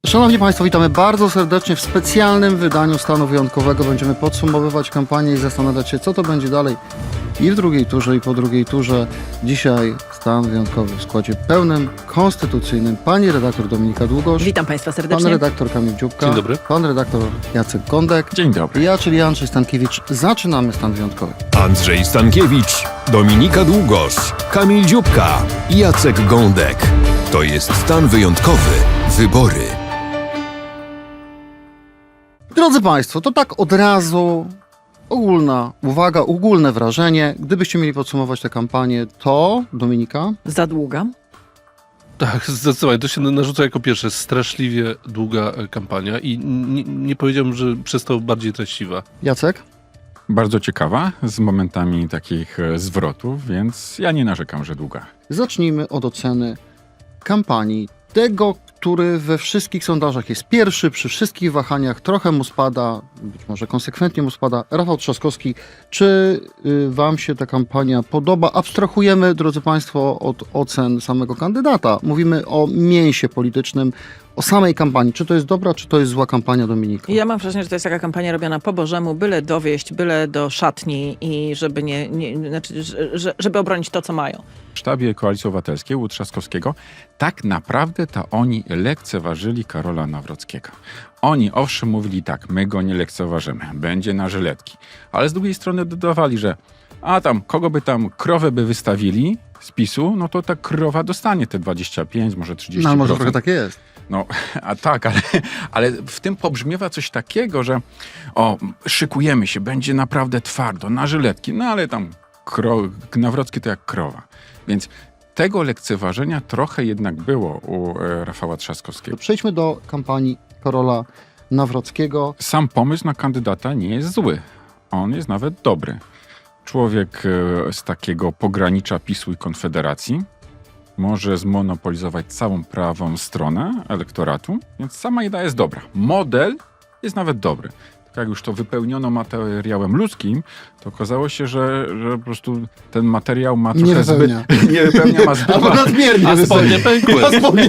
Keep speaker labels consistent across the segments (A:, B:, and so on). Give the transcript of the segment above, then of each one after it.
A: Szanowni Państwo, witamy bardzo serdecznie w specjalnym wydaniu stanu wyjątkowego. Będziemy podsumowywać kampanię i zastanawiać się, co to będzie dalej i w drugiej turze, i po drugiej turze. Dzisiaj stan wyjątkowy w składzie pełnym, konstytucyjnym. Pani redaktor Dominika Długosz.
B: Witam Państwa serdecznie.
A: Pan redaktor Kamil Dziubka.
C: Dzień dobry.
A: Pan redaktor Jacek Gądek.
D: Dzień dobry.
A: I ja, czyli Andrzej Stankiewicz. Zaczynamy stan wyjątkowy.
E: Andrzej Stankiewicz, Dominika Długosz, Kamil Dziubka i Jacek Gądek. To jest stan wyjątkowy. Wybory.
A: Drodzy Państwo, to tak od razu ogólna uwaga, ogólne wrażenie. Gdybyście mieli podsumować tę kampanię, to Dominika?
B: Za długa.
C: Tak, zdecydowanie. To się narzuca jako pierwsze. Straszliwie długa kampania i nie powiedziałbym, że przez to bardziej treściwa.
A: Jacek?
D: Bardzo ciekawa, z momentami takich zwrotów, więc ja nie narzekam, że długa.
A: Zacznijmy od oceny kampanii. Tego, który we wszystkich sondażach jest pierwszy, przy wszystkich wahaniach trochę mu spada, być może konsekwentnie mu spada. Rafał Trzaskowski, czy wam się ta kampania podoba? Abstrahujemy, drodzy Państwo, od ocen samego kandydata. Mówimy o mięsie politycznym, o samej kampanii. Czy to jest dobra, czy to jest zła kampania, Dominika?
B: Ja mam wrażenie, że to jest taka kampania robiona po Bożemu, byle dowieść, byle do szatni i żeby znaczy, żeby obronić to, co mają.
D: W sztabie Koalicji Obywatelskiej u Trzaskowskiego tak naprawdę to oni lekceważyli Karola Nawrockiego. Oni owszem mówili tak, my go nie lekceważymy, będzie na żyletki. Ale z drugiej strony dodawali, że a tam, kogo by tam krowę by wystawili z PiS-u, no to ta krowa dostanie te 25, może 30%.
A: No, może trochę tak jest.
D: No, a tak, ale w tym pobrzmiewa coś takiego, że szykujemy się, będzie naprawdę twardo, na żyletki, no ale tam Nawrocki to jak krowa. Więc tego lekceważenia trochę jednak było u Rafała Trzaskowskiego.
A: Przejdźmy do kampanii Karola Nawrockiego.
D: Sam pomysł na kandydata nie jest zły. On jest nawet dobry. Człowiek z takiego pogranicza PiS-u i Konfederacji może zmonopolizować całą prawą stronę elektoratu, więc sama idea jest dobra. Model jest nawet dobry. Tak jak już to wypełniono materiałem ludzkim, to okazało się, że po prostu ten materiał ma trochę nie wypełnia, ma zbyt
A: Albo nadmiernie.
C: A spodnie pękły.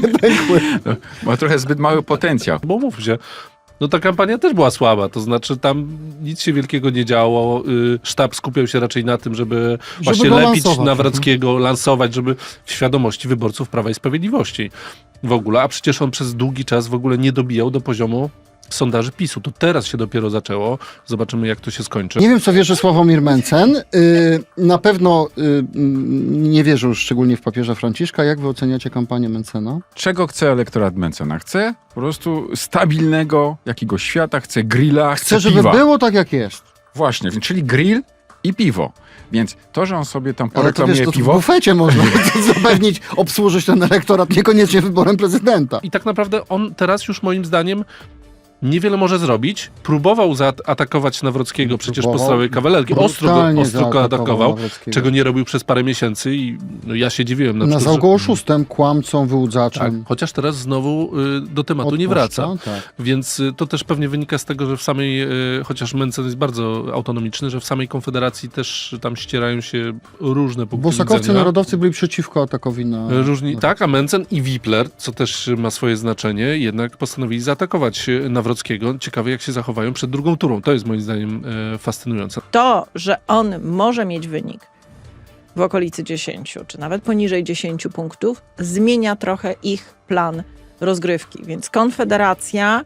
D: ma trochę zbyt mały potencjał.
C: Bo mów się, no ta kampania też była słaba, to znaczy tam nic się wielkiego nie działo. Sztab skupiał się raczej na tym, żeby właśnie
A: go
C: lepić
A: lansować.
C: Nawrockiego, lansować, żeby w świadomości wyborców Prawa i Sprawiedliwości w ogóle. A przecież on przez długi czas w ogóle nie dobijał do poziomu sondaży PiS-u. To teraz się dopiero zaczęło. Zobaczymy, jak to się skończy.
A: Nie wiem, co wierzy Sławomir Mencen. Na pewno nie wierzy już szczególnie w papieża Franciszka. Jak wy oceniacie kampanię Mencena?
D: Czego chce elektorat Mencena? Chce po prostu stabilnego jakiegoś świata, chce grilla,
A: Chcę,
D: chce
A: żeby
D: piwa.
A: było tak, jak jest.
D: Właśnie, czyli grill i piwo. Więc to, że on sobie tam
A: Ale to
D: poreklamuje
A: wiesz, to w
D: piwo...
A: bufecie można zapewnić, obsłużyć ten elektorat, niekoniecznie wyborem prezydenta.
C: I tak naprawdę on teraz już moim zdaniem niewiele może zrobić. Próbował zaatakować Nawrockiego przecież po całej kawalerki. Ostro go atakował, czego nie robił przez parę miesięcy i no, ja się dziwiłem.
A: Nazwał go oszustem, kłamcą,
C: Tak,
A: wyłudzaczem.
C: chociaż teraz znowu do tematu nie wraca.
A: Tak.
C: Więc to też pewnie wynika z tego, że w samej, chociaż Mencen jest bardzo autonomiczny, że w samej Konfederacji też tam ścierają się różne punkty
A: Bosakowcy,
C: widzenia.
A: narodowcy byli przeciwko atakowi na...
C: Różni, tak, a Mencen i Wipler, co też ma swoje znaczenie, jednak postanowili zaatakować Nawrockiego. Ciekawe, jak się zachowają przed drugą turą. To jest moim zdaniem fascynujące.
B: To, że on może mieć wynik w okolicy 10, czy nawet poniżej 10 punktów, zmienia trochę ich plan rozgrywki. Więc Konfederacja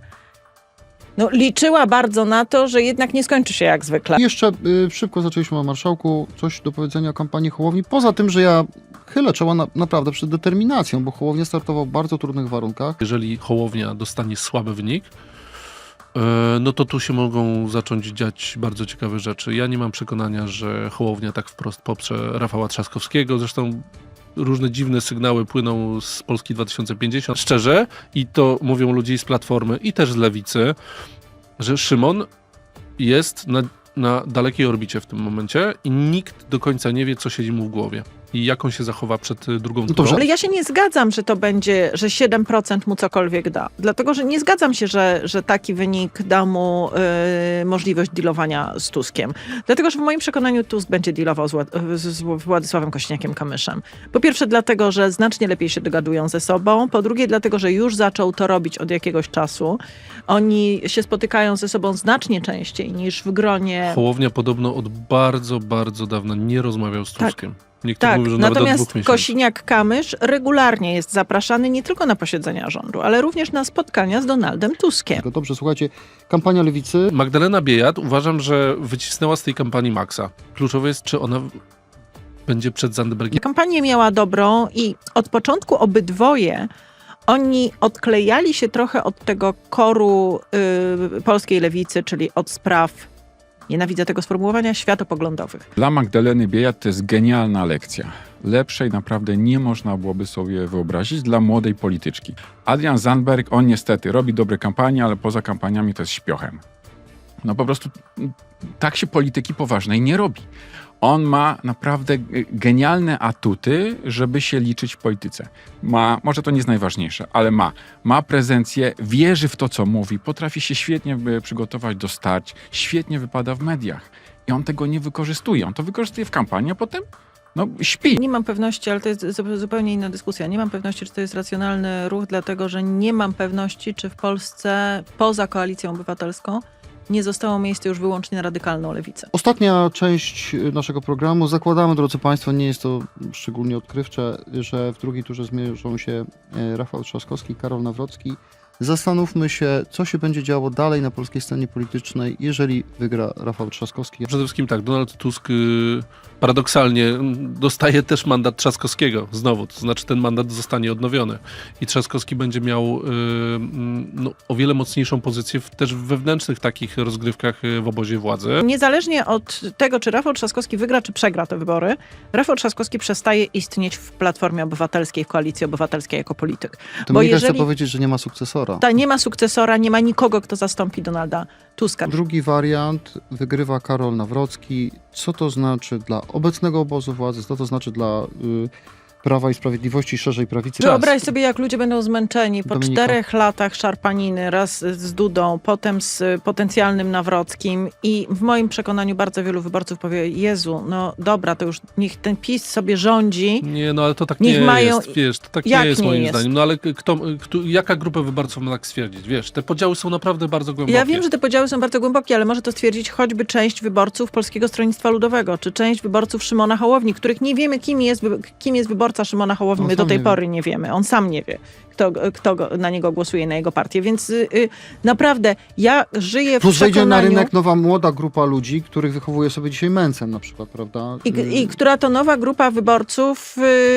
B: liczyła bardzo na to, że jednak nie skończy się jak zwykle.
A: Jeszcze szybko zaczęliśmy o marszałku. Coś do powiedzenia o kampanii Hołowni. Poza tym, że ja chylę czoła naprawdę przed determinacją, bo Hołownia startował w bardzo trudnych warunkach.
C: Jeżeli Hołownia dostanie słaby wynik, no to tu się mogą zacząć dziać bardzo ciekawe rzeczy. Ja nie mam przekonania, że Hołownia tak wprost poprze Rafała Trzaskowskiego. Zresztą różne dziwne sygnały płyną z Polski 2050. Szczerze, i to mówią ludzie z Platformy i też z Lewicy, że Szymon jest na dalekiej orbicie w tym momencie i nikt do końca nie wie, co siedzi mu w głowie. i jak on się zachowa przed drugą
A: No dobrze.
C: turą.
B: Ale ja się nie zgadzam, że to będzie, że 7% mu cokolwiek da. Dlatego, że nie zgadzam się, że taki wynik da mu możliwość dealowania z Tuskiem. Dlatego, że w moim przekonaniu Tusk będzie dealował z Władysławem Kosiniakiem-Kamyszem. Po pierwsze dlatego, że znacznie lepiej się dogadują ze sobą. Po drugie dlatego, że już zaczął to robić od jakiegoś czasu. Oni się spotykają ze sobą znacznie częściej niż w gronie...
C: Hołownia podobno od bardzo, bardzo dawna nie rozmawiał z
B: Tak.
C: Tuskiem. Niektórzy
B: Tak,
C: mówią, że nawet od 2
B: natomiast
C: miesięcy.
B: Kosiniak-Kamysz regularnie jest zapraszany nie tylko na posiedzenia rządu, ale również na spotkania z Donaldem Tuskiem.
A: Dobrze, słuchajcie, kampania Lewicy.
C: Magdalena Biejat uważam, że wycisnęła z tej kampanii maksa. Kluczowe jest, czy ona będzie przed Zandbergiem.
B: Kampanię miała dobrą i od początku obydwoje oni odklejali się trochę od tego koru polskiej lewicy, czyli od spraw, nienawidzę tego sformułowania, światopoglądowych.
D: Dla Magdaleny Biejat to jest genialna lekcja. Lepszej naprawdę nie można byłoby sobie wyobrazić dla młodej polityczki. Adrian Zandberg, on niestety robi dobre kampanie, ale poza kampaniami to jest śpiochem. No po prostu tak się polityki poważnej nie robi. On ma naprawdę genialne atuty, żeby się liczyć w polityce. Może to nie jest najważniejsze, ale ma prezencję, wierzy w to, co mówi, potrafi się świetnie przygotować do starć, świetnie wypada w mediach. I on tego nie wykorzystuje. On to wykorzystuje w kampanii, a potem śpi.
B: Nie mam pewności, ale to jest zupełnie inna dyskusja. Nie mam pewności, czy to jest racjonalny ruch, dlatego że nie mam pewności, czy w Polsce poza Koalicją Obywatelską nie zostało miejsce już wyłącznie na radykalną lewicę.
A: Ostatnia część naszego programu. Zakładamy, drodzy Państwo, nie jest to szczególnie odkrywcze, że w drugiej turze zmierzą się Rafał Trzaskowski i Karol Nawrocki. Zastanówmy się, co się będzie działo dalej na polskiej scenie politycznej, jeżeli wygra Rafał Trzaskowski.
C: Przede wszystkim tak, Donald Tusk paradoksalnie dostaje też mandat Trzaskowskiego znowu, to znaczy ten mandat zostanie odnowiony i Trzaskowski będzie miał o wiele mocniejszą pozycję też w wewnętrznych takich rozgrywkach w obozie władzy.
B: Niezależnie od tego, czy Rafał Trzaskowski wygra, czy przegra te wybory, Rafał Trzaskowski przestaje istnieć w Platformie Obywatelskiej, w Koalicji Obywatelskiej jako polityk.
A: To mnie chce powiedzieć, że nie ma sukcesora.
B: Nie ma sukcesora, nie ma nikogo, kto zastąpi Donalda Tuska.
A: Drugi wariant, wygrywa Karol Nawrocki. Co to znaczy dla obecnego obozu władzy, co to znaczy dla Prawa i Sprawiedliwości, szerzej prawicy?
B: Wyobraź sobie, jak ludzie będą zmęczeni po
A: Dominika.
B: 4 latach szarpaniny, raz z Dudą, potem z potencjalnym Nawrockim i w moim przekonaniu bardzo wielu wyborców powie: Jezu, no dobra, to już niech ten PiS sobie rządzi.
C: Nie, no ale to tak
B: Niech
C: nie
B: mają-
C: jest, wiesz, to tak
B: Jak
C: nie jest
B: nie
C: moim
B: jest?
C: zdaniem. No ale jaka grupa wyborców ma tak stwierdzić? Wiesz, te podziały są naprawdę bardzo głębokie.
B: Ja wiem, że te podziały są bardzo głębokie, ale może to stwierdzić choćby część wyborców Polskiego Stronnictwa Ludowego, czy część wyborców Szymona Hołowni, których nie wiemy, kim jest wyborca Szymona Hołowni.
A: On
B: My do
A: sam
B: tej
A: nie
B: pory nie wiemy. On sam nie wie, kto na niego głosuje, na jego partię. Więc naprawdę ja żyję w
A: Plus wejdzie na
B: przekonaniu...
A: rynek nowa, młoda grupa ludzi, których wychowuje sobie dzisiaj Mencen na przykład, prawda?
B: I która to nowa grupa wyborców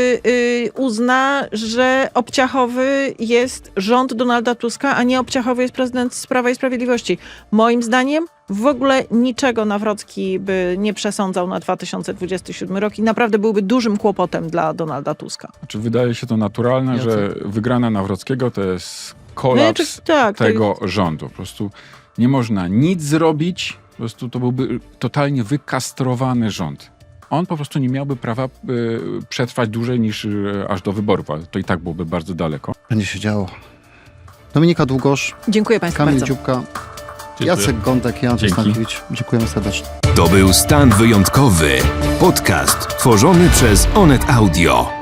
B: uzna, że obciachowy jest rząd Donalda Tuska, a nie obciachowy jest prezydent z Prawa i Sprawiedliwości. Moim zdaniem w ogóle niczego Nawrocki by nie przesądzał na 2027 rok i naprawdę byłby dużym kłopotem dla Donalda Tuska.
D: Znaczy, wydaje się to naturalne,
A: Jacek?
D: że wygrana Nawrockiego to jest kolaps
B: Tak, to
D: tego rządu. Po prostu nie można nic zrobić, po prostu to byłby totalnie wykastrowany rząd. On po prostu nie miałby prawa przetrwać dłużej niż aż do wyborów, ale to i tak byłoby bardzo daleko.
A: Będzie się działo. Dominika Długosz,
B: Dziękuję Państwu
A: Kamil
B: bardzo.
A: Dziubka,
C: Dziękuję.
A: Jacek Gądek i Andrzej
D: Dzięki.
A: Stankiewicz. Dziękujemy serdecznie.
E: To był Stan Wyjątkowy. Podcast tworzony przez Onet Audio.